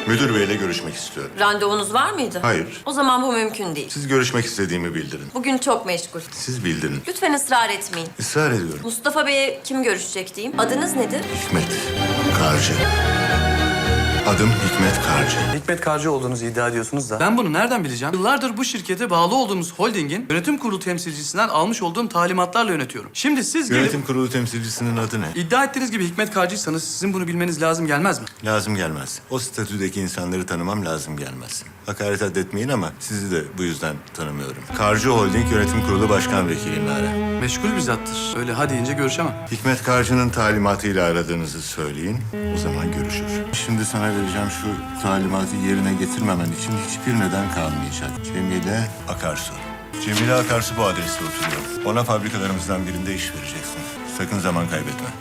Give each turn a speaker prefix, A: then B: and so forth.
A: Müdür beyle görüşmek istiyorum.
B: Randevunuz var mıydı?
A: Hayır.
B: O zaman bu mümkün değil.
A: Siz görüşmek istediğimi bildirin.
B: Bugün çok meşgul.
A: Siz bildirin.
B: Lütfen ısrar etmeyin.
A: Israr ediyorum.
B: Mustafa Bey'e kim görüşecek diyeyim. Adınız nedir?
A: Hikmet Karcı. Adım Hikmet Karcı.
C: Hikmet Karcı olduğunuzu iddia ediyorsunuz da. Ben bunu nereden bileceğim? Yıllardır bu şirkete bağlı olduğumuz holdingin yönetim kurulu temsilcisinden almış olduğum talimatlarla yönetiyorum. Şimdi siz gelip
A: Yönetim kurulu temsilcisinin adı ne?
C: iddia ettiğiniz gibi Hikmet Karcıysanız sizin bunu bilmeniz lazım gelmez mi?
A: Lazım gelmez. O statüdeki insanları tanımam lazım gelmez. Hakaret addetmeyin ama sizi de bu yüzden tanımıyorum. Karcı Holding Yönetim Kurulu Başkan Vekiliyim Lara.
C: Meşgul bir zattır. Öyle ha deyince görüşemem.
A: Hikmet Karcı'nın talimatıyla aradığınızı söyleyin. O zaman görüşür. Şimdi sana vereceğim şu talimatı yerine getirmemen için hiçbir neden kalmayacak. Cemile Akarsu. Cemile Akarsu bu adreste oturuyor. Ona fabrikalarımızdan birinde iş vereceksin. Sakın zaman kaybetme.